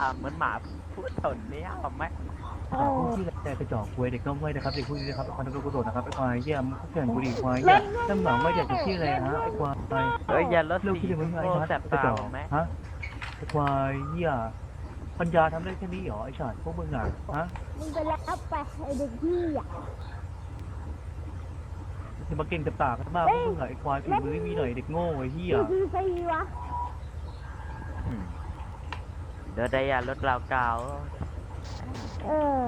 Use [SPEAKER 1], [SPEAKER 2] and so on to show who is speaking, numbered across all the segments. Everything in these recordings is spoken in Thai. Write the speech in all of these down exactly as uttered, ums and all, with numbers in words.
[SPEAKER 1] เหมือนหมาพูดสนเนี้ยหรอไหม
[SPEAKER 2] เออพวกที่แต่กระจอกควยเด็กน้องควยนะครับเด็กพวกนี้นะครับไอ้ควายนักกระโดดนะครับไอ้ควายเยี่ยมพวกเก่งบุรีควายเยี่ยมน้ำหนังไม่อยากจะชื่ออะไรฮะไอ้ควาย
[SPEAKER 1] เฮ้ยอย่าลด
[SPEAKER 2] เรื่อง
[SPEAKER 1] สี
[SPEAKER 2] ที่เรียกว่าไอ้
[SPEAKER 1] โง่
[SPEAKER 2] ชัด
[SPEAKER 1] แสบ
[SPEAKER 2] กระ
[SPEAKER 1] ตา
[SPEAKER 2] จอก
[SPEAKER 1] หรอไหม
[SPEAKER 2] ฮะไอ้ควายเยี่ยปัญญาทำได้แค่นี้เหรอไอ้ชาติพวกมึงอ่ะฮะ
[SPEAKER 3] มึงไปรับไปไอเด็กพี่อ่ะ
[SPEAKER 2] จะมาเก่งแต่ปากกันมากพวกมึงอ่ะไอ้ควายฝีมือไม่มีหน่อยเด็กโง่ไอ้เหี้ย
[SPEAKER 3] คือคือใครวะ
[SPEAKER 1] อืมเดี๋ยวได้ยาลดราวกาว
[SPEAKER 3] เออ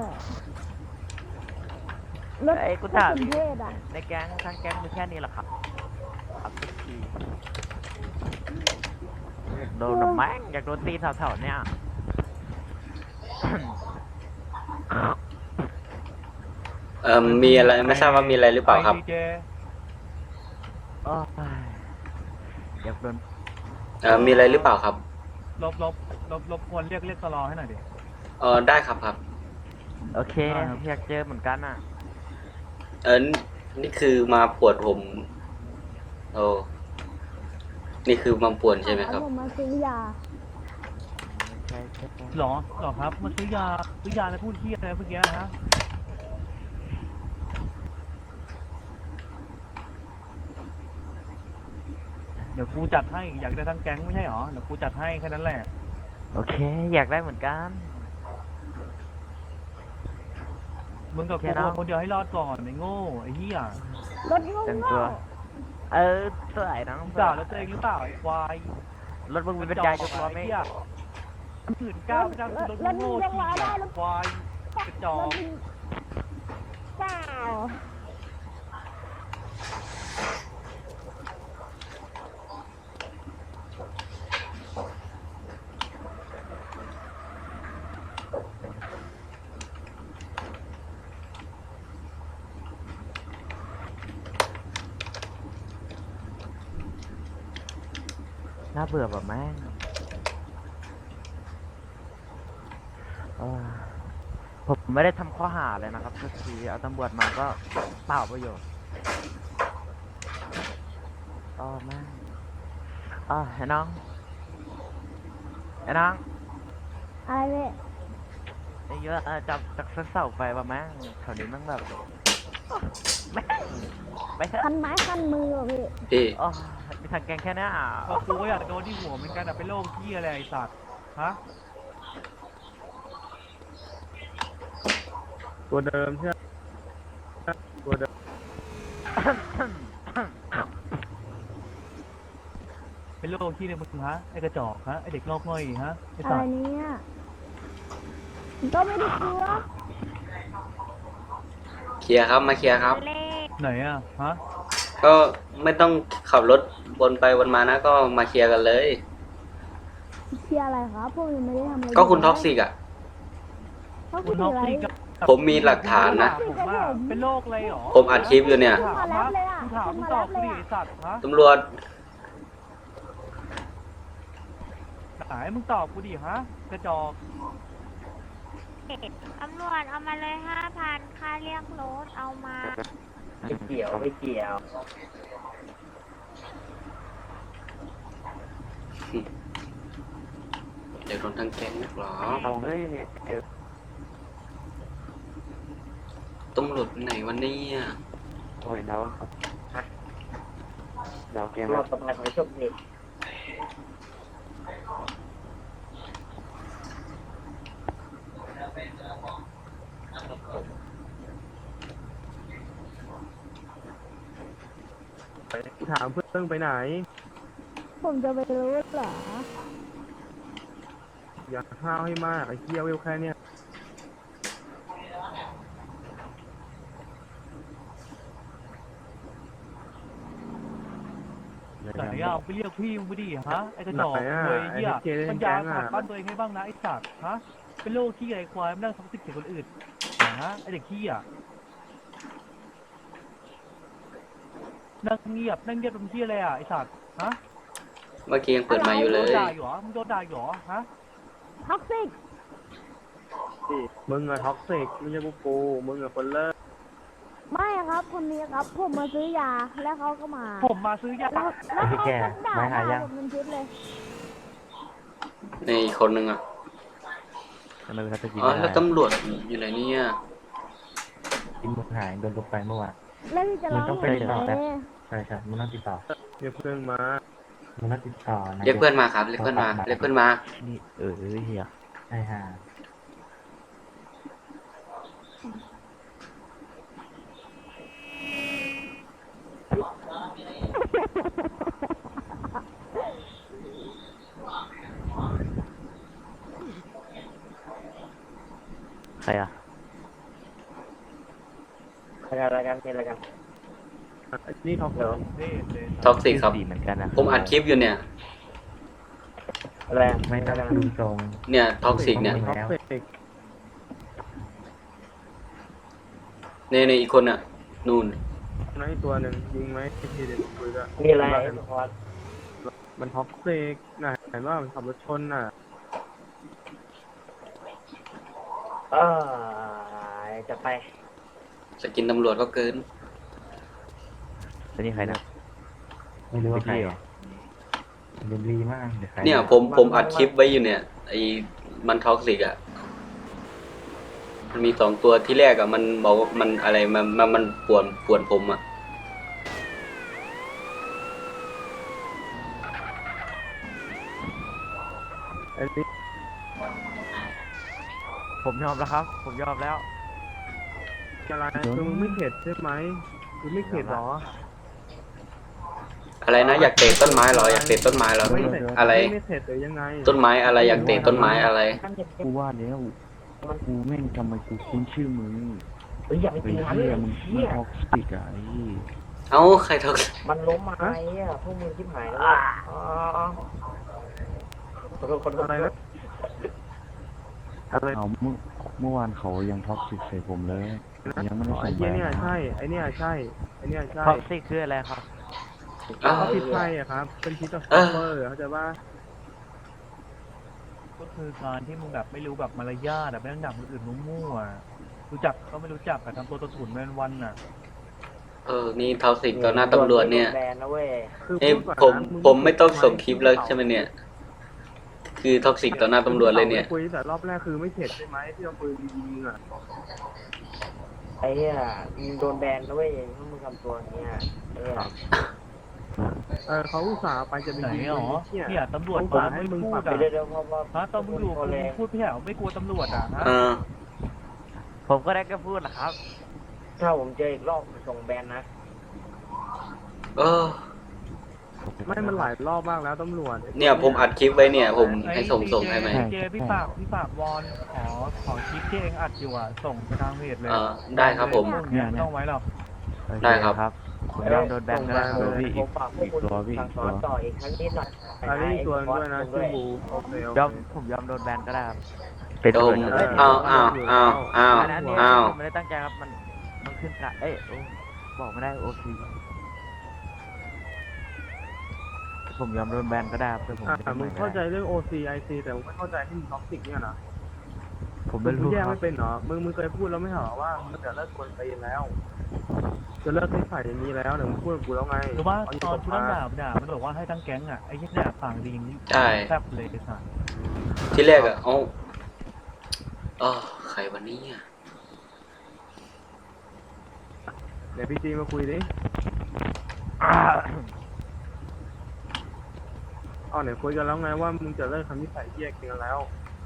[SPEAKER 3] รถ
[SPEAKER 1] ไอ้ยกูถาม
[SPEAKER 3] รถเทศอ่ะ
[SPEAKER 1] ในแก๊งทั้งแก๊งมีแค่นี้เหรอครับครับทุกทีโดนแม่งอยากโดนตีแถวๆเนี่ย
[SPEAKER 4] เอ่อมีอะไรไม่ทราบว่ามีอะไรหรือเปล่าครับ
[SPEAKER 2] ไดีเจ
[SPEAKER 1] โอ้ยอยากโดน
[SPEAKER 4] เอ่อมีอะไรหรือเปล่าครับ
[SPEAKER 2] ลบลบลบลบควรเรียกเรียกตลอให้หน่อยดิ
[SPEAKER 4] เออได้ครับครับ
[SPEAKER 1] โอเคอยากเจอเหมือนกันอ่ะ
[SPEAKER 4] เออนี่คือมาปวดผมโอ้นี่คือมาปวดใช่ไหมครับ
[SPEAKER 3] ผมมาซื้อยา
[SPEAKER 1] ใช่ใช่ใช่
[SPEAKER 2] หรอหรอครับมันซื้อยาซื้อยาอะไรพูดเหี้ยอะไรเมื่อกี้ฮะเดี๋ยวกูจัดให้อยากได้ทั้งแก๊งไม่ใช่หรอเดี๋ยวกูจัดให้แค่นั้นแหละ
[SPEAKER 1] โอเค อยากได้เหมือนกัน
[SPEAKER 2] มึงกับ
[SPEAKER 1] แค่
[SPEAKER 2] กู
[SPEAKER 1] นั้น
[SPEAKER 2] คนเดียวให้รอดก่อนไอ้โง่ไอ้เหี้ย
[SPEAKER 3] รถงง
[SPEAKER 1] แต่ง
[SPEAKER 3] เง
[SPEAKER 1] ตัว เออสวยนะ
[SPEAKER 2] มึงด่าแล้วตัวเองหรือเปล่าไอ้ควาย
[SPEAKER 1] รถมึงมีปัญญายกล้อไหม
[SPEAKER 2] ไอ้เหี้ยหื่นก้าวไม่ได้คือรถโง่ๆที่ควายกระจอ
[SPEAKER 3] ร
[SPEAKER 2] ก
[SPEAKER 3] ถเปล่า
[SPEAKER 1] น่าเบื่อแบบแม่งเออผมไม่ได้ทำข้อหาเลยนะครับทุกทีเอาตำรวจมาก็เปล่าประโยชน์อ๋อแม่งอ๋อไอ้น้องไอ้น้อง
[SPEAKER 3] อะไรเนี่ย
[SPEAKER 1] ไอ้เยอะอะจับจากเสาไฟมาแม่งแถวนี้แม่งแบบแม่งไปเถอะ
[SPEAKER 3] คันไม้คันมือว่ะพี่
[SPEAKER 4] พี่
[SPEAKER 1] อ๋อมีทางแกงแค่เนี้ยอ่ะ
[SPEAKER 2] พอกูก็อยากโดนที่หัวเหมือนกันอะเป็นโรคเหี้ยอะไรไอ้สัตว์ฮะ
[SPEAKER 5] ตัวเดิมใช่ไหมตัวเดิม
[SPEAKER 2] เป็นโรคที่เนี่ยมึงฮะไอ้กระจอกฮะไอ้เด็กงอกง่อยฮะไอ้
[SPEAKER 3] อะ
[SPEAKER 2] สั
[SPEAKER 3] ไร
[SPEAKER 2] ตว์
[SPEAKER 3] เนี่ยก็ไม่ได้กลัว
[SPEAKER 4] เคลียร์ครับมาเคลียร์ครับ
[SPEAKER 2] ไหนอะฮะ
[SPEAKER 4] ก็ไม่ต้องขับรถวนไปวนมานะ ก็มาเคลียร์กันเลย
[SPEAKER 3] เชียร์อะไรครับพวกยังไม่ได้ทำอะไร
[SPEAKER 4] ก็คุณท็อกซิกอ่ะ
[SPEAKER 3] ท็อก
[SPEAKER 2] คุ
[SPEAKER 3] ซิ
[SPEAKER 2] ณ
[SPEAKER 3] ก
[SPEAKER 2] ท็อก
[SPEAKER 3] อะไร
[SPEAKER 2] ซี่กับ
[SPEAKER 4] ผมมีหลักฐานนะ
[SPEAKER 2] ผมว่าเป็นโรคอะไรหรอ
[SPEAKER 4] ผมอัดคลิปอยู่เนี่ย
[SPEAKER 2] ถามฮะกูถามมึงตอบกูดิไอ้สัตว์ฮะ
[SPEAKER 4] ตำรวจ
[SPEAKER 2] ไหนมึงตอบกูดิฮะกระจอก
[SPEAKER 6] ตำรวจเอามาเลยห้าพันค่าเรียกรถเอามา
[SPEAKER 1] ไม่เกี่ยวไม่เกี่ยว
[SPEAKER 4] เดี๋ยวโดนทั้งแก๊งนักหรอ
[SPEAKER 1] เอาเลย
[SPEAKER 4] ตำรวจไหนวันนี้
[SPEAKER 1] โอ้ยเราเราเกมเราตบไปไม่ชอบนี่
[SPEAKER 5] ถามเพื่อนไปไหน
[SPEAKER 3] ผมจะไปรู้เหรอ
[SPEAKER 5] อย่าข้าวให้มากไอ้เคี้ยวเวลแค่เนี้ย
[SPEAKER 2] ไหนอะไปเรียกพี่มึงไปดิฮะไอ้กระจอก
[SPEAKER 5] ไหนอะ
[SPEAKER 2] เว้ย
[SPEAKER 5] ไอ้
[SPEAKER 2] เหี้ย
[SPEAKER 5] เจเล่
[SPEAKER 2] ปั
[SPEAKER 5] น
[SPEAKER 2] ญ
[SPEAKER 5] แก๊
[SPEAKER 2] ญาง ขั
[SPEAKER 5] อะ
[SPEAKER 2] ดบ้านตัวเองให้บ้างนะไอ้สัตว์ฮะเป็นโรคที่ไอ้ควายมันนั่งท็อกซิกใส่คนอื่นฮะไอ้เด็กขี้อะนั่งเงียบนั่งเงียบเป็นที่อะไรอะไอ้สัตว์ฮะ
[SPEAKER 4] เมื่อกี้ยังเปิดไมาอยู่เล
[SPEAKER 2] โดน
[SPEAKER 4] ย
[SPEAKER 2] ด่าอยู่เหรอมึงโดนด่าอยู่เหรอฮะ
[SPEAKER 3] ท็อกซิก
[SPEAKER 5] มึงอะท็อกซิกไม่ใช่พวกกูมึงอะคนเลิก
[SPEAKER 3] ไม่ครับคนนี้ครับ ผมมาซื้อยาแล้วเขาก็มา
[SPEAKER 2] ผมมาซื้อยา
[SPEAKER 3] แล้วแล้วเขาก็ด่าด่าผมเป็นชุดเลย
[SPEAKER 4] ในอีกคนนึงอ่ะ
[SPEAKER 1] ทำไมเขาจะกิน
[SPEAKER 4] อ๋อ
[SPEAKER 1] ไม่
[SPEAKER 4] แล้ว
[SPEAKER 1] ได้
[SPEAKER 4] ตำรวจอยู่ไหนเนี่ย
[SPEAKER 2] กินมึงหายโดนลบไปเมื่อวาน
[SPEAKER 3] แล้วพี่จะร้อง
[SPEAKER 2] มันต้อง
[SPEAKER 3] เพ
[SPEAKER 2] ไป
[SPEAKER 3] ลง
[SPEAKER 2] ต่อ
[SPEAKER 3] ไห
[SPEAKER 2] นะ
[SPEAKER 3] น
[SPEAKER 2] ใช่ใช่มึงต้องติดต่อ
[SPEAKER 5] เดี๋ยวเพื่อนมา
[SPEAKER 2] มึงต้องติดต่อนะ
[SPEAKER 4] เรียกเพื่อนมาครับ เรียกเพื่อนมา เรียกเพื่อนมา
[SPEAKER 1] นี่เออเฮีย
[SPEAKER 2] ใช่ฮะ
[SPEAKER 1] ใครอ่ะ
[SPEAKER 2] อะไรกันเป็นอะไรกัน
[SPEAKER 5] ไอ้นี่เขา
[SPEAKER 2] เดี๋ยว
[SPEAKER 4] ท็อกซิกครับ
[SPEAKER 1] สีเหมือนกันนะ
[SPEAKER 4] ผมอัดคลิปอยู่เนี่ย
[SPEAKER 2] อะไรไม่ต้องดูตรง
[SPEAKER 4] เนี่ยท็อกซิกเนี่ย
[SPEAKER 5] ท็อกซิก
[SPEAKER 4] ในในอีกคนอ่ะ นู่น
[SPEAKER 5] นั่นอีกตัวหนึ่งยิงไหมทีเด็ดคุยด้วย
[SPEAKER 2] มีอะไรพอด
[SPEAKER 5] มันท็อกซิกน่ะเห็นว่ามันขับรถชนน่ะ
[SPEAKER 2] เออจะไป
[SPEAKER 4] จะกินตำรวจก็เกิน
[SPEAKER 1] แล้วนี่ใครนะ
[SPEAKER 2] ไม่รู้ว่าใคร
[SPEAKER 1] พี่เหรอ
[SPEAKER 2] เรียนรีมากเดี๋ยวใคร
[SPEAKER 4] เนี่ยผมผมอัดคลิปไว้อยู่เนี่ย ไอ้มันท็อกซิกอ่ะ มันมีสองตัวที่แรกอ่ะ มันบอกว่ามันอะไรมันมันมันป่วนป่วนผมอ่ะ
[SPEAKER 5] ไอ้นี่
[SPEAKER 1] ผมยอมแล้วครับ ผมยอมแล้ว
[SPEAKER 5] อะไรคือมึงไม่เข็ดใช่ไหมคือไม่เข็ดหรอ
[SPEAKER 4] อะไรนะอยากเตะต้นไม้เหรออยากเตะต้นไม้เหรอ
[SPEAKER 5] ไม่เข็ด
[SPEAKER 4] อะไร
[SPEAKER 5] ไม่เข็ดหรือยังไง
[SPEAKER 4] ต้นไม้อะไรอยากเตะต้นไม้อะไร
[SPEAKER 2] กูว่าแล้วกูแม่งทำไมกูคุ้นชื่อมึงเฮ้ยอย่าไปตีมันเลยมึงมึงออกสติกอะไอ้
[SPEAKER 4] เอ้าใครท็อกซิก
[SPEAKER 2] มันล้มมาไอ้อะพวกมึงชิบหายแล้วอ๋อคนคน
[SPEAKER 5] อะไรนะอะไร
[SPEAKER 2] เอาเมื่อเมื่อวานเขายังท็อกซิกใส่ผมเลย ยังไม่ได้
[SPEAKER 5] อ๋อ
[SPEAKER 2] ส่
[SPEAKER 5] ไอ้
[SPEAKER 2] ง
[SPEAKER 5] เหี้ย
[SPEAKER 2] ไป
[SPEAKER 5] เนี่ยใช่ไอ้เนี่ยใช่ไอ้เนี่ยใช่
[SPEAKER 1] ท็อกซิกคืออะไรครับ
[SPEAKER 4] อ้าว
[SPEAKER 5] เขาพิษไฟอะครับ เป็นพิษต่อ
[SPEAKER 4] เออ
[SPEAKER 5] เฟอร์เขาใจว่า
[SPEAKER 2] ก็คือการที่มึงแบบไม่รู้แบบมารยาทแบบไม่ต้องด่าคนอื่นมั่วๆรู้จักก็ไม่รู้จักแต่ทำตัวตะถุนแม่นวันน่ะ
[SPEAKER 4] เออ นี่ท็อกซิกต่อหน้าตำรวจเนี่ย
[SPEAKER 2] แบนนะเว้ย
[SPEAKER 5] คือ
[SPEAKER 4] เอ้ย
[SPEAKER 5] พูดก่อน
[SPEAKER 4] ผม
[SPEAKER 5] นะ
[SPEAKER 4] ผมไม่ต้องส่งคลิปแล้วใช่ไหมเนี่ย คือท็อกซิกต่อหน้าตำรวจเลยเนี่ย
[SPEAKER 5] คุยแต่รอบแรกคือไม่เข็ดใช่ไหมที่เราปืนยิงมึงอะ
[SPEAKER 2] ไอ้เนี่ยมึงโดนแบนนะเว้ยถ้ามึงทำตัวอย่างเงี้ยเออ
[SPEAKER 5] เออเขาอุตส่าห์ไปจะไป
[SPEAKER 2] ไหน
[SPEAKER 5] ยิง
[SPEAKER 2] หรอ
[SPEAKER 5] มึงเนี่ย
[SPEAKER 2] เนี่ยตำรวจ
[SPEAKER 5] ผม
[SPEAKER 2] มา
[SPEAKER 5] ให้
[SPEAKER 2] ไม่
[SPEAKER 5] มึง
[SPEAKER 2] พู
[SPEAKER 5] ปรั
[SPEAKER 2] ด
[SPEAKER 5] บ
[SPEAKER 2] อ่ะ
[SPEAKER 5] ไป
[SPEAKER 2] เดี๋ยวพอพอตอนมึงอยู่กับกูพูดพี่เหรอไม่กลัวตำรวจอ่ะฮะ
[SPEAKER 4] เออ
[SPEAKER 1] ผมก็ได้แค่พูดนะครับ
[SPEAKER 2] ถ้าผมเจออีกรอบส่งแบนนะ
[SPEAKER 4] เออ
[SPEAKER 5] ไม่มันหลายรอบมากแล้วตำรวจ
[SPEAKER 4] เนี่ยผมอัดคลิปไว้เนี่ย ผมให้ส่งส่งให้ไหม
[SPEAKER 2] เจพี่ฝากพี่ฝากวอนขอขอคลิปที่เองอัดอยู่อ่ะส่งไปทางเพจเลย
[SPEAKER 4] เออได้ครับผม
[SPEAKER 2] เนี่ยต้องไว้หรอก
[SPEAKER 4] ได้ครับ
[SPEAKER 1] ผมยอมโดนแบนก็ได้ครับพี่
[SPEAKER 2] ผมฝากพวกคุณสั่งสอนต่ออีกครั้งนิดหน่อย
[SPEAKER 5] อันนี้อีกตัวหนึงด้วยนะชื่อบูโอเคโอย
[SPEAKER 1] อม
[SPEAKER 5] เค
[SPEAKER 1] ผมยอมโดนแบนก็ได้ครับ เป็น
[SPEAKER 4] โด
[SPEAKER 1] ตำรว
[SPEAKER 4] ม
[SPEAKER 1] จก็ได้
[SPEAKER 4] อ้าวอ้าวอ้าวอ้าว
[SPEAKER 1] อันนั้นเนี่ย
[SPEAKER 4] อ้าว
[SPEAKER 1] ผมไม่ได้ตั้งใจครับ มัน มันขึ้นกะเอ้ยโอ้บอกไม่ได้โอซีผมยอมโดนแบนก็ได้ครับแต่ผม
[SPEAKER 5] อ่ะ
[SPEAKER 1] ไม่ได้
[SPEAKER 5] มึง
[SPEAKER 1] ไม่
[SPEAKER 5] เข้าใจ
[SPEAKER 1] ได้
[SPEAKER 5] เรื่อง โอ ซี ไอ ซี แต่มึงไม่เข้าใจที่มึงท็อกซิกเนี่ยนะ
[SPEAKER 1] ผม
[SPEAKER 5] มึ
[SPEAKER 1] ไม่
[SPEAKER 5] ง
[SPEAKER 1] รู้
[SPEAKER 5] แยก
[SPEAKER 1] ครั
[SPEAKER 5] ไม่
[SPEAKER 1] บ
[SPEAKER 5] เป็นเหรอ มึงมึงเคยพูดแล้วไม่เหรอว่ามึงจะเลิกกวนตีนแล้ว จะเลิกนิสัยอย่างนี้แล้วเดี๋ยวมึงพูดกับกูแล้วไง
[SPEAKER 2] หรือว่า
[SPEAKER 5] เา
[SPEAKER 2] ตอน
[SPEAKER 5] ที่
[SPEAKER 2] กู
[SPEAKER 5] ต
[SPEAKER 2] นั่
[SPEAKER 5] ก
[SPEAKER 2] ง
[SPEAKER 5] มา
[SPEAKER 2] ด่าด่ามันบอกว่าให้ทั้งแก๊งอ่ะไอ้ยี่เนี่ยฝั่งดีนี่
[SPEAKER 4] ใช่
[SPEAKER 2] แซ่บเลยสัส
[SPEAKER 4] ที่แรกอะเอ้าอ๋อใครวันนี้อ่ะ
[SPEAKER 5] เดี๋ยวพี่จีมาคุยดิเอาไหนคุยกันแล้วไงว่ามึงจะเลิกทำนิสัยเหี้ยกันแล้ว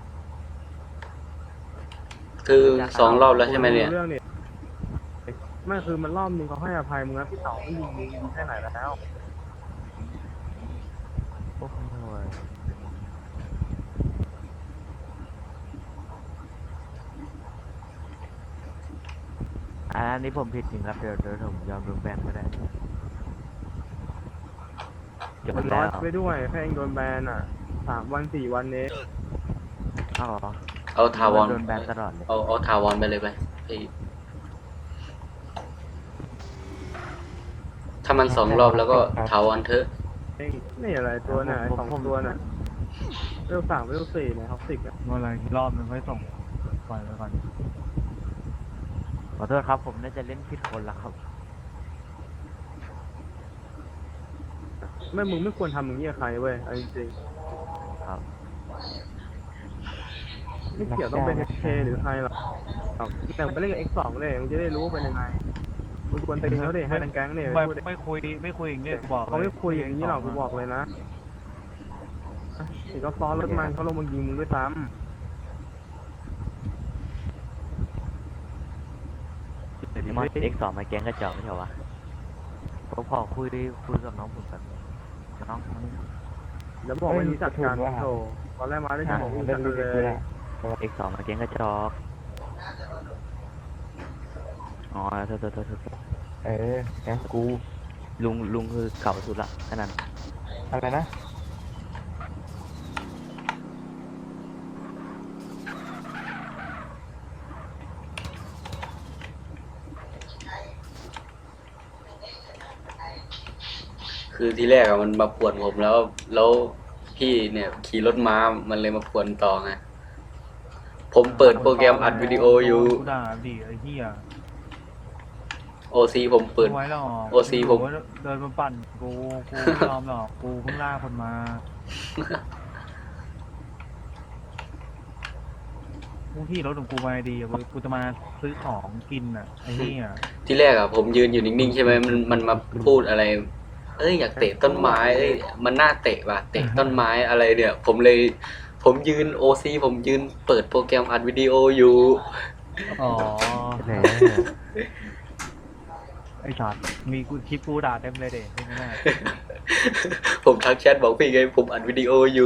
[SPEAKER 4] คือสองรอบแล้วใช่ไหมเนี่ย
[SPEAKER 5] เรื่องนี่ไม่คือมันรอบนึงเขาให้อภัยมึงแล้วพี่เต๋าไม่ยิงมึงยิงแค่ไหนแล้ว
[SPEAKER 1] โอ้โหอันนี้ผมผิดจริงครับ เดี๋ยวเดี๋ยวผมยอมโดนแบนก็ได้จบ
[SPEAKER 5] มันร้
[SPEAKER 1] แล้
[SPEAKER 5] อ
[SPEAKER 1] วย
[SPEAKER 5] ไปด้วยแค่เองโดนแบนอ่ะสามวันสี่วันเนี้
[SPEAKER 1] อ้าวเหรอ
[SPEAKER 4] เอาทาวอน
[SPEAKER 1] โดนแบนตลอดเลย
[SPEAKER 4] เอาเอาทาวอนไปเลยไปไอ้ถ้ามันสองรอบแล้วก็ทาวอนเถอะ
[SPEAKER 5] เองนี่อะไรตัวน่ะไอ้สองตัวน่ะเวลสามเวลสี่เนี่ยท็อกซิกอ่ะ
[SPEAKER 2] เมื่อไรรอบนึงค่อยส่งปล่อยไปก่อน
[SPEAKER 1] ขอโทษครับ ผมน่าจะเล่นผิดคนละครับ
[SPEAKER 5] ไม่มึงไม่ควรทำอย่างนี้กับใครเว้ยเอาจริง
[SPEAKER 1] ครับ
[SPEAKER 5] ๆไม่เกี่ยวต้องเป็น เอช เค หรือใครหรอกแต่ไปเล่นกับ เอ็กซ์ สอง เลยมึงจะได้รู้ว่าเป็นยังไงมึงควรตีเขาดิให้ทั้งแก๊งเนี่ย
[SPEAKER 2] ไม่
[SPEAKER 5] พูดดิ
[SPEAKER 2] ไม่คุยไม่คุยอย่างนี้บอก
[SPEAKER 5] เขาไม่คุยอย่างนี้หรอกกูบอกเลยนะเห็นเขาซ้อนรถมันเขาลงมายิงมึงด้วยซ้
[SPEAKER 1] มอนเอ็กสองมาแก๊งกระจอกไม่ใช่เหรอวะผมขอคุยคุยกับน้องผมแบบน้องคนนี้
[SPEAKER 5] ำแล้วบอกไม่รู้จักกันโธ่ตอนแรกมาได้จะบอกรู้จักกันเลย
[SPEAKER 1] เอ็กสองมาแก๊งกระจอกอ๋อโทษโทษโทษโทษ
[SPEAKER 7] เออแกงกู
[SPEAKER 1] ลุงลุงคือเก่าสุดละแค่นั้น
[SPEAKER 7] อะไรนะ
[SPEAKER 4] คือที่แรกอะมันมาป่วนผมแล้ว แล้วพี่เนี่ยขี่รถม้ามันเลยมาป่วนต่อไงผมเปิดโปรแกรมอัดวิดีโออยู่
[SPEAKER 2] กูด่าดิไอ้เหี้ย
[SPEAKER 4] โอซีผมเปิด
[SPEAKER 2] ไม่ไว้หรอก
[SPEAKER 4] โอซีผม
[SPEAKER 2] เดินมาปั่นกูกูไม่ยอมหรอกกูเพิ่งล่าคนมากูที่รถของกูมาดีอะกูจะมาซื้อของกินอ่ะไอ้เหี้ย
[SPEAKER 4] ที่แรกอะผมยืนอยู่นิ่งๆใช่ไหมมันมันมาพูดอะไร เอ้ยอยากเตะต้นไม้เอ้ยมันน่าเตะว่ะเตะต้นไม้อะไรเนี่ย ผมเลย ผมยืนโอซีผมยืนเปิดโปรแกรมอัดวิดีโออยู่
[SPEAKER 2] อ๋อ
[SPEAKER 7] แหม
[SPEAKER 2] ไอ้สัตว์มีกูคลิปกูด่าเต็มเลยเด็กไม่ได้
[SPEAKER 4] ผมทักแชทบอกพี่ไงผมอัดวิดีโออยู่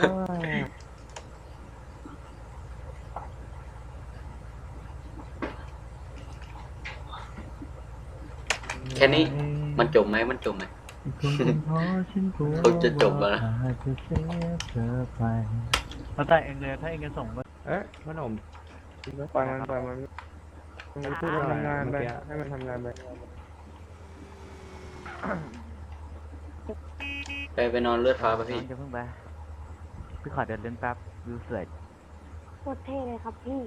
[SPEAKER 4] แค่นี้มันจบไหมมันจบไหม เขาจะจบแล้วนะ
[SPEAKER 2] แล้วแต่เองเลยถ้าเองจะส่งก็
[SPEAKER 7] เอ๊ะขนม
[SPEAKER 5] ปล่อยมันปล่อยมันมันพูดมันทำงานไปให้มันทำงานไป
[SPEAKER 4] ไปไปนอนเลือดฟ้าป่ะ
[SPEAKER 1] น้อ
[SPEAKER 4] พี่
[SPEAKER 1] งจะเพิ่งไปพี่ขอเดินเล่นแป๊บวิวสวย
[SPEAKER 3] โคตรเท่เลยครับพี่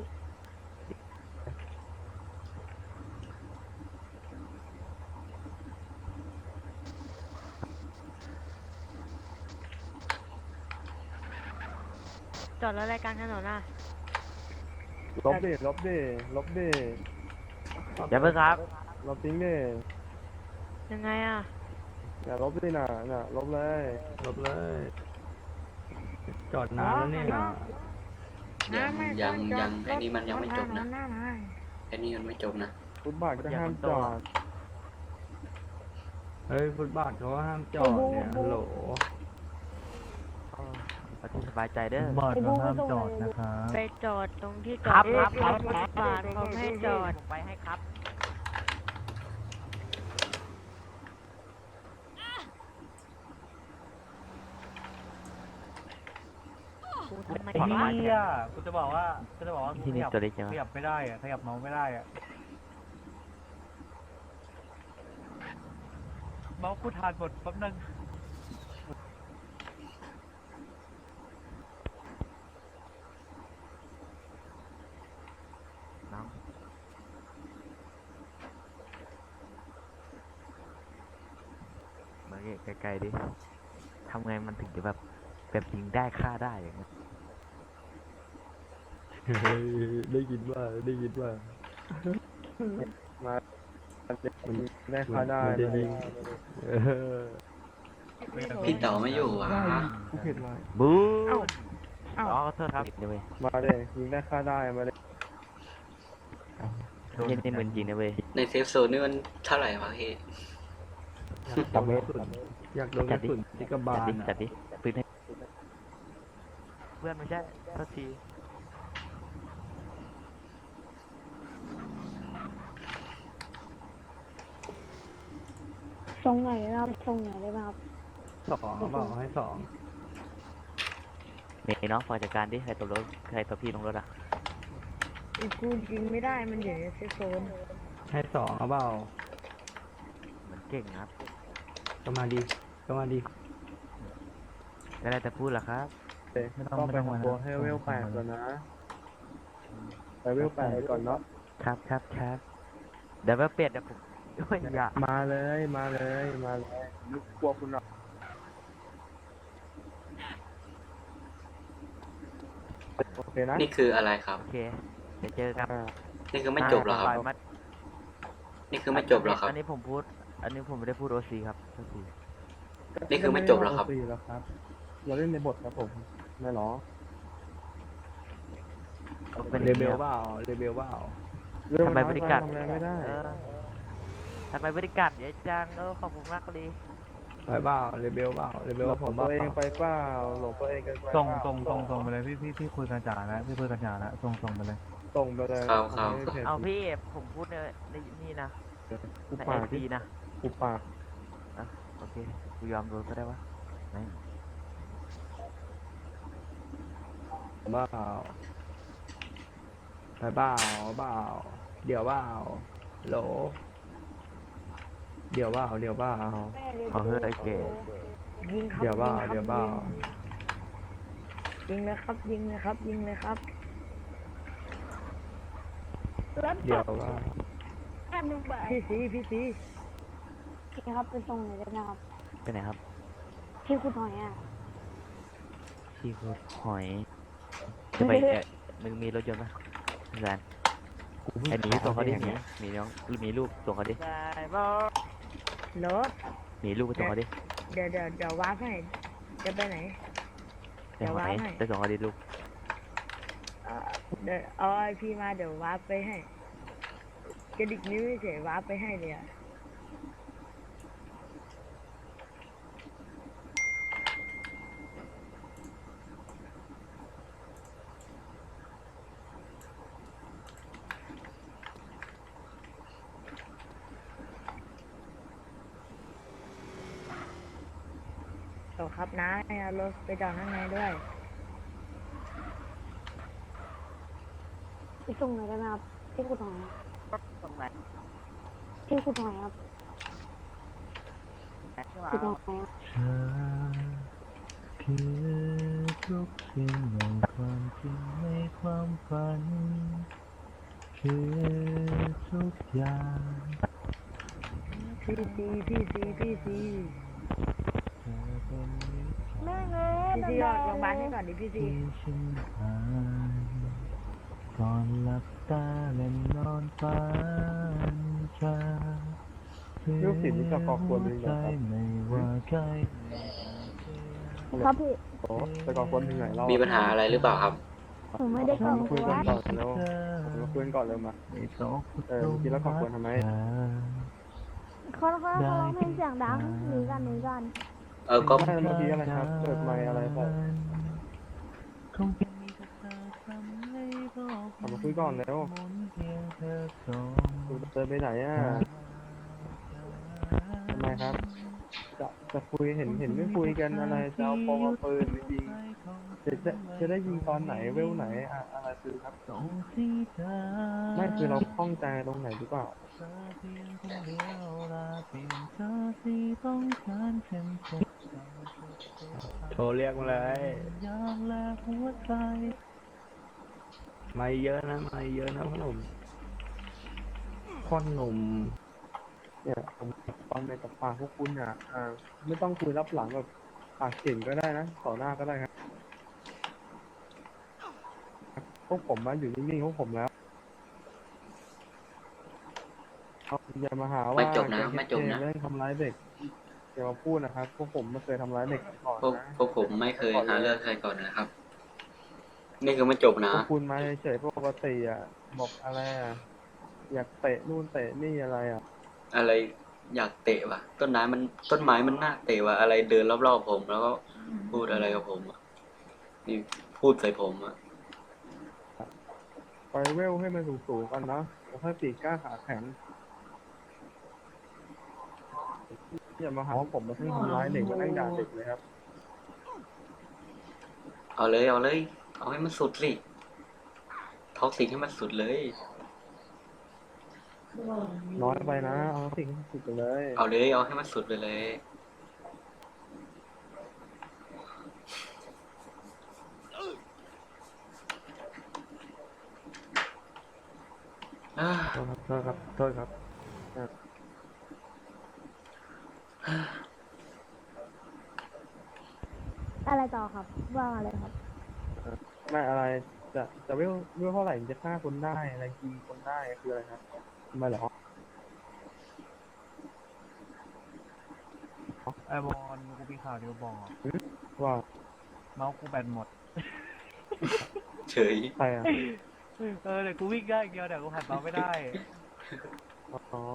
[SPEAKER 6] จอดรถรายการถนนอ่ะ
[SPEAKER 5] ลบดิลบดิลบดิ
[SPEAKER 1] อย่าเพิ่งครับ
[SPEAKER 5] ลบทิ้งดิ
[SPEAKER 6] ยังไงอ่ะ
[SPEAKER 5] อย่าลบดิน่ะน่ะลบเลย
[SPEAKER 7] ลบเลย จอดนานแล้วเนี่ย
[SPEAKER 4] ยังยังยังไอ้นี่มันยังไม่จบนะไอ้นี่มันไม่จบนะ
[SPEAKER 5] ฟุตบาทก็ห้ามจอด
[SPEAKER 7] เฮ้ย ฟุตบาทเขาห้ามจอดเนี่ยฮัลโหล
[SPEAKER 1] เอาที่สบายใจเด้อบ
[SPEAKER 2] อดเราห้ามจอดนะครับ
[SPEAKER 6] ไปจอดตรงที่จ
[SPEAKER 1] ค
[SPEAKER 6] อ
[SPEAKER 1] รั
[SPEAKER 6] ด
[SPEAKER 1] บครับครับ
[SPEAKER 6] รถบาทเขาไม่ให้จอด
[SPEAKER 1] ผมไปให้ครับกูทำไม
[SPEAKER 2] ไอ้
[SPEAKER 1] ขอร้าย
[SPEAKER 2] เหี้ยกูจะบอกว่ากูจะบอกว่า
[SPEAKER 1] ที่นี่
[SPEAKER 2] ขยับ
[SPEAKER 1] ตัวเล็กจัง
[SPEAKER 2] ขยับไม่ได้อะขยับเมาส์ไม่ได้อะเมาส์กูทานหมดแป๊บนึง
[SPEAKER 1] น้องมาไกลๆดิทำไงมันถึงจะแบบแบบยิงได้ฆ่าได้อย่างเงี้ย
[SPEAKER 7] เฮ้ยได้ยินว่า ได้ยินว่า
[SPEAKER 5] มาได้ค่าได้
[SPEAKER 7] มันจะยิงเออ
[SPEAKER 4] พี่เต๋อไม่อยู่วะ
[SPEAKER 5] กูผิดมา
[SPEAKER 1] บู๊อ๋อขอโทษครับเดี๋ยวเว้ย
[SPEAKER 5] มาเลยยิงได้ค่าได้มาเลย
[SPEAKER 1] เย็นนี่เหมือนจริงนะเว้ย
[SPEAKER 4] ในเซฟโซนนี่มันเท่าไหร่วะพี่
[SPEAKER 7] ตะเม็ดอยากโดนกระสุนที่กระบา
[SPEAKER 1] จัด
[SPEAKER 7] ล
[SPEAKER 1] ดิ
[SPEAKER 7] น่ะ
[SPEAKER 1] จัดดิปืนให้เพื่อนไม่ใช่โทษที
[SPEAKER 3] ทรงไหนนะครับทรงไหนได้ไหมครับ
[SPEAKER 7] สองเอาเปล่าให้สอง
[SPEAKER 1] เมย์น้องฝากจัดการดิใครตกรถใครตัวพี่ลงรถอ่ะ
[SPEAKER 6] กูยิงไม่ได้มันอยู่ในเซฟโซน
[SPEAKER 7] ให้สองเอาเปล่า
[SPEAKER 1] เหมือนเก่งครับ
[SPEAKER 7] ก็มาดีก็มาดี
[SPEAKER 1] ก็ได้แต่พูดแหละครับ
[SPEAKER 5] ไม่ต้องไปทำตัวให้เวลแปดก่อนนะไปเวลแปดไปก่อนเนาะ
[SPEAKER 1] ครับครับครับเดี๋ยวไปเปลี่ยนเดี๋ยวผมด้วยอย่า
[SPEAKER 5] มาเลยมาเลยมาเลยนึกกลัวคุณหรอกโอเคนะ
[SPEAKER 4] นี่คืออะไรครับ
[SPEAKER 1] โอเคเดี๋ยวเจอกัน
[SPEAKER 5] อ่า
[SPEAKER 4] นี่คือไม่จบเหรอครับ
[SPEAKER 1] ปล่อยมา
[SPEAKER 4] นี่คือไม่จบเหรอครับ
[SPEAKER 1] อันนี้ผมพูด อันนี้ผมไม่ได้พูดโอซีครับโทษที
[SPEAKER 4] นี่คือไม่จบเหรอครับ
[SPEAKER 5] ก็ไม่ได้ว่า โอ ซี แล้วครับ เราเล่นในบทครับผมไม่หรอ
[SPEAKER 1] เป็น
[SPEAKER 5] เรเบลเปล่าเรเบลเปล่าเรื่อง
[SPEAKER 1] ทำไม
[SPEAKER 5] มัน
[SPEAKER 1] บริการ
[SPEAKER 5] ทำอะไรไม่ได้
[SPEAKER 1] เออทำไมบริการเยอะจังเออขอบคุณมากเลย
[SPEAKER 5] ไปเปล่าเรเบลเปล่าเรเบลว่าผมตัวเองไปเปล่าหลงตัวเองเกันไป
[SPEAKER 2] ส่ง
[SPEAKER 5] เปล่า
[SPEAKER 2] ส่งส่งส่งไปเลยพี่พี่พี่คุยกันจ่าแล้วพี่คุยกันจ่าแล้วส่งส่งไปเลย
[SPEAKER 5] ส่งไปเลย
[SPEAKER 4] ครับครับ
[SPEAKER 5] ไม่ได้
[SPEAKER 1] เอาพี่ผมพูดในในนี่นะ
[SPEAKER 5] กู
[SPEAKER 1] ใน
[SPEAKER 5] ปา
[SPEAKER 1] ไอก ซี
[SPEAKER 5] ที่
[SPEAKER 1] นะ
[SPEAKER 5] กูปาก
[SPEAKER 1] อ่ะโอเคกูยอมโดนก็ได้วะไหน
[SPEAKER 5] เปล่าไปเปล่าเปล่าเดี๋ยวเปล่าโหลเดี๋ยวเปล่าเดี๋ยวเปล่า
[SPEAKER 1] เอาเฮ้ยไอ้เก๋
[SPEAKER 3] ยิงครับ
[SPEAKER 5] เดี๋ยวเปล่า
[SPEAKER 3] ยิงครับ
[SPEAKER 5] เดี๋ยวเปล่า
[SPEAKER 3] ยิงเลยครับ ยิงเลยครับ ยิงเลยครับแล้ว
[SPEAKER 5] เดี๋ยวเปล่า
[SPEAKER 3] พี่สีพี่สีพี่ครับไปส่งหน่อยได้ไหมครับ
[SPEAKER 1] ไปไหนครับ
[SPEAKER 3] พี่คุณหน่อยอ่ะ
[SPEAKER 1] พี่คือหอยจะไปเอ่อมึงมีรถยนต์ปะแซนไอ้หมีส่งเขาดิหมีหมีน้องมีลูกส่งเขาดิ
[SPEAKER 3] ได้บอรถ
[SPEAKER 1] หมีลูกไปส่งเขาดิ
[SPEAKER 3] เดี๋ยวเดี๋ยวเดี๋ยววาร์ปให้จะไปไหน
[SPEAKER 1] ไปหอย
[SPEAKER 3] เดี๋ยววางให้
[SPEAKER 1] ไปส่งเขาดิลูก
[SPEAKER 3] เอ่อเดี๋ยวเอาไอพีมาเดี๋ยววาร์ปไปให้กระดิกนิ้วเฉยวาร์ปไปให้เลยอ่ะ โอ้ครับนะเอารถไปจอดข้างในด้วยไปส่งหน่อยได้ไหมครับที่คุณหน่อยส่งไหนที่คุณหน่อยครับคุณหน่อยครับ
[SPEAKER 2] เธอคือทุกสิ่งในความจริงในความฝัน คือทุกอย่าง
[SPEAKER 3] พี่ซีพี่ซีพี่ซี
[SPEAKER 2] เธอเป็นนิสัย
[SPEAKER 3] แม่เงี้ยพี่ซีออกโรงพยาบาลให้ก่อนดิพี่ซี
[SPEAKER 2] ที่ฉันผ่านก่อนหลับตาและนอนฝันจะ
[SPEAKER 5] ลูกศิษย์นี่จะก่อกวนมึงเหรอครับ
[SPEAKER 2] ไม่ว่าใคร
[SPEAKER 3] ครับพี่
[SPEAKER 5] โอ้แต่ก่อนคนถึงไหนเรา
[SPEAKER 4] มีปัญหาอะไรหรือเปล่าครับ
[SPEAKER 3] ผมไม่ได้เข้า
[SPEAKER 5] มาคุย
[SPEAKER 3] วั
[SPEAKER 5] กัน
[SPEAKER 3] ด
[SPEAKER 5] ก่อนเร็วมาคุยกันก่อนเร็วมา
[SPEAKER 2] ไม่ตก
[SPEAKER 5] เออเมื่อกี้แล้วก่อกวนทำไม
[SPEAKER 3] เขาเขาเขาร้องเพลงเสียงดังหนีกันหนีกัน
[SPEAKER 4] เออ ก็
[SPEAKER 5] ไม่เมื่อกี้อะไรครับเปิดไมค์อะไรใส่
[SPEAKER 2] คงเป็นมีแต่เธอทำให้โลก
[SPEAKER 5] เอามาคุยก่อนเร็ว
[SPEAKER 2] หมุนเพียงเธอสอง
[SPEAKER 5] คุณเดินไปไหนอ่ะทำไมครับ จะจะคุยเห็นเห็นไม่คุยกันอะไรจะเอาปองเอาปืนไปยิงจะจะจะได้ยิงตอนไหนเวลไหนอะอะไรคือครับ
[SPEAKER 2] ส่งที่เธอ
[SPEAKER 5] ไม่คือเราคล่องใจตรงไหนหรือเปล่า
[SPEAKER 2] เธอเพียงคนเดียวลาเปลี่ยนเธอที่ต้องการเช่นเธอ
[SPEAKER 5] โทรเรียกมาเลย
[SPEAKER 2] ยามและหัวใจ
[SPEAKER 5] ไม่เยอะนะไม่เยอะนะพ่อหนุ่มพ่อหนุ่มเนี่ยผมฟังในกับปากพวกคุณอ่ะอ่าไม่ต้องคุยรับหลังแบบปากเก่งก็ได้นะต่อหน้าก็ได้ครับพวกผมมาอยู่นิ่งๆพวกผมแล้วเอาอย่ามาหาว่า
[SPEAKER 4] ไม่จบนะ
[SPEAKER 5] แก
[SPEAKER 4] ไม่จบนะ
[SPEAKER 5] เล่นทำร้ายเด็กอย่ามาพูดนะครับพวกผมไม่เคยทำร้ายเด็กมาก่อน
[SPEAKER 4] พวก
[SPEAKER 5] นะ
[SPEAKER 4] พวกผมไม่เคยหาเรื่องใครก่อนนะครับ นี่คือไม่จบนะ
[SPEAKER 5] พวกคุณมาเฉยๆปกติอ่ะบอกอะไรอ่ะอยากเตะนู่นเตะนี่อะไรอ่ะ
[SPEAKER 4] อะไรอยากเตะว่ะ ต้นไม้มันต้นไม้มันน่าเตะว่ะ อะไรเดินรอบๆผม แล้วก็พูดอะไรกับผมอะนี่พูดใส่ผมอะ
[SPEAKER 5] ไปเวลให้มันสูงๆกันเนาะแล้วค่อยปีกกล้าขาแข็งอย่ามาหาว่าผมมาเพิ่งทำร้ายเด็กมาไล่ด่าเด็กเลยครับ
[SPEAKER 4] เอาเลยเอาเลย เอาให้มันสุดสิท็อกซิกให้มันสุดเลย
[SPEAKER 5] น้อยไปนะเอาสิ่งที่สุดไปเลย
[SPEAKER 4] เอาเลย เอาให้มันสุดไปเลยอ่า
[SPEAKER 5] โทษครับโทษครับโทษครับอ่ะ
[SPEAKER 3] อะไรต่อครับว่าอะไรครับ
[SPEAKER 5] ไม่อะไรจะจะเวลเวลเท่าไหร่ถึงจะฆ่าคนได้อะไรยิงคนได้คืออะไรครับทำไมเหรอ
[SPEAKER 2] ไอบอลกูมีข่าวเดียวบอก
[SPEAKER 5] ว่า
[SPEAKER 2] เมาส์กูแบตหมด
[SPEAKER 4] เฉย
[SPEAKER 5] ใครอ่ะ
[SPEAKER 2] เออเดี๋ยวกูวิ่งได้อย่างเดียวเดี๋ยวกูหันเมาส์ไม่ได้
[SPEAKER 5] อ๋อ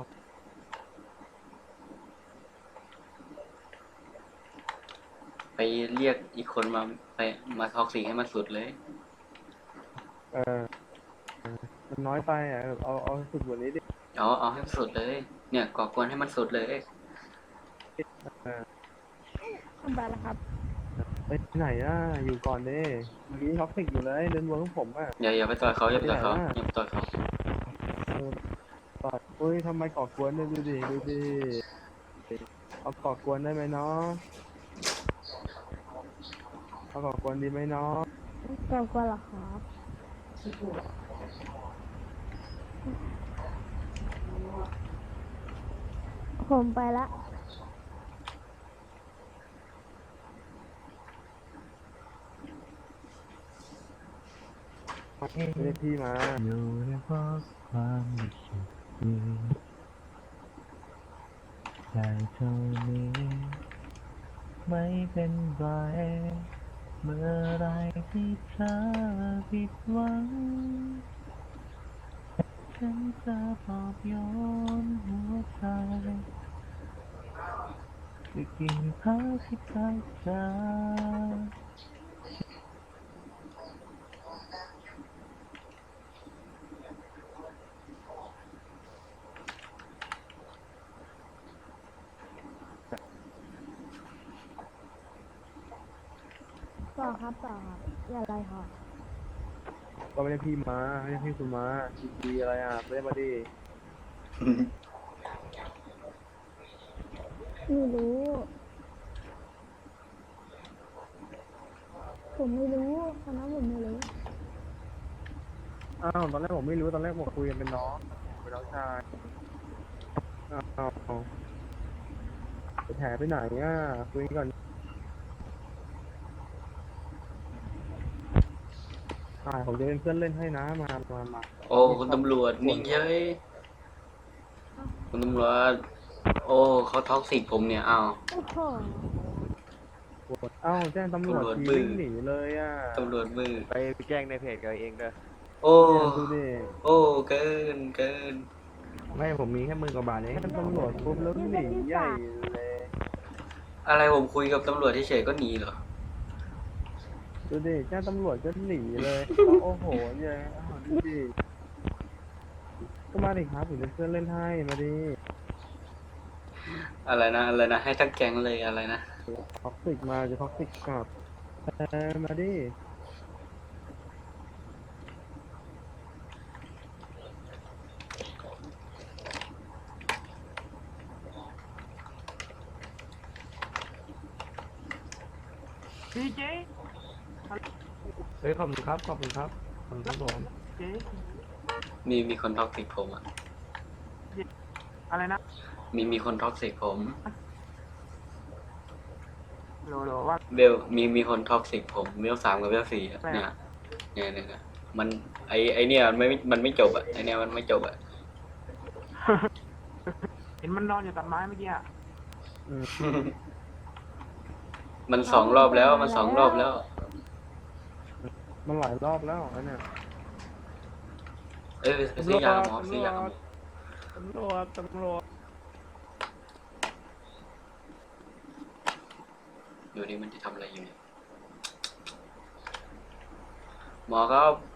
[SPEAKER 4] ไปเรียกอีกคนมาไปมาท็อกซิกให้มันสุดเลย
[SPEAKER 5] เออเออมันน้อยไปอ่ะแบบเอาเอาสุดกว่านี้ดิ
[SPEAKER 4] เอาเอาให้สุดเลย เนี่ยก่อกวนให้มันสุดเลย
[SPEAKER 5] เออ
[SPEAKER 3] ไปแล้วครับ
[SPEAKER 5] ไปไหนอ่ะอยู่ก่อนดิเมื่อกี้ท็อกซิกอยู่เลยเดินวนของผมอ่ะ
[SPEAKER 4] อย่าอย่าไปต่อยเขาอย่าไปต่อยเขา
[SPEAKER 5] ไม่ได้นะ
[SPEAKER 4] อย่าไปต่อยเขา
[SPEAKER 5] เออต่อยอุ้ยทำไมก่อกวนเนี่ยดูดิดูดิเอาก่อกวนได้ไหมเนาะเอาก่อกวนดีไหมเนาะ
[SPEAKER 3] เกินกว่าหรอครับ ผมไปละ
[SPEAKER 5] เรียกพี่มา
[SPEAKER 2] อยู่ในเพราะความรู้สึกดีใจเท่านี้ไม่เป็นไรเมื่อไรที่เธอผิดหวังฉันจะปลอบโยนหัวใจจะกินพักที่ใกล้เธอ
[SPEAKER 3] ต่อครับต่อครับอย่าอะไรครับ
[SPEAKER 5] ก็ไม่ได้พี่มาไม่ได้พี่คุณมาดีๆอะไรอ่ะไม่ได้มาดิ
[SPEAKER 3] ไม่รู้ ผมไม่รู้ตอนนั้นผมไม่รู้
[SPEAKER 5] อ้าวตอนแรกผมไม่รู้ตอนแรกผมคุยกันเป็นน้องเป็นน้องชายอ้าวไปแถไปไหนอ่ะคุยก่อนอ่าผมจะเป็นเพื่อนเล่นให้นะมามามา
[SPEAKER 4] โอ้คุณตำรวจนิ่งเฉยคุณตำรวจโอ้เขาท็อกซิกผมเนี่ยอ้าว
[SPEAKER 3] โอ้โห
[SPEAKER 5] ปวดเอ้าแจ้งตำรวจ
[SPEAKER 4] ตำรวจ
[SPEAKER 5] ที
[SPEAKER 4] บึ้ง
[SPEAKER 5] วิ่งหนีเลยอ่ะ
[SPEAKER 4] ตำรวจมือ
[SPEAKER 1] ไปแจ้งในเพจกับเองเด้อ
[SPEAKER 4] โอ้
[SPEAKER 5] เนี่ยดูดิ
[SPEAKER 4] โอ้เกินเกิน
[SPEAKER 7] ไม่ผมมีแค่หมื่นกว่าบาทเอง
[SPEAKER 5] แจ้งตำรวจปุ๊บแล้วหนีใหญ่เลย
[SPEAKER 4] อะไรผมคุยกับตำรวจเฉยๆก็หนีเหรอ
[SPEAKER 5] ดูดิแจ้งตำรวจก็หนีเลยแล้วโอ้โหเนี่ยอ้าวดูดิก็มาดิครับผมเป็นเพื่อนเล่นให้มาดิ
[SPEAKER 4] อะไรนะอะไรนะให้ทั้งแก๊งเลยอะไรนะ
[SPEAKER 5] ท็อกซิกมาจะท็อกซิกกลับเออมาดิ
[SPEAKER 2] พี่เจ๊
[SPEAKER 7] เฮ้ยขอบคุณครับขอบคุณครับขอบคุณครับผม
[SPEAKER 2] เจ๊
[SPEAKER 4] มีมีคนท็อกซิกผมอ่ะ
[SPEAKER 2] อะไรนะ
[SPEAKER 4] มีมีคนท็อกซิกผม
[SPEAKER 2] โหลโหลว่า
[SPEAKER 4] เบลมีมีคนท็อกซิกผมเบลสามกับเบลสี่อะเนี่ยเนี่ยเนี่ยเนี่ยมันไอไอเนี่ยมันไม่มันไม่จบอ่ะไอเนี่ยมันไม่จบอ่ะ
[SPEAKER 2] เห็นมันนอนอยู่ตัดไม้เมื่อกี้อ่ะ
[SPEAKER 5] อืม
[SPEAKER 4] มันสองรอบแล้วมันสองรอบแล้ว
[SPEAKER 5] มันหลายรอบแล้วอันเนี้ย
[SPEAKER 4] เอ้ยไปซื้อยาหมอซื้อยาหมอ
[SPEAKER 5] ตำรวจตำรวจ
[SPEAKER 4] อยู่นี่มันจะทำอะไรอยู่เนี่ยหมอครับ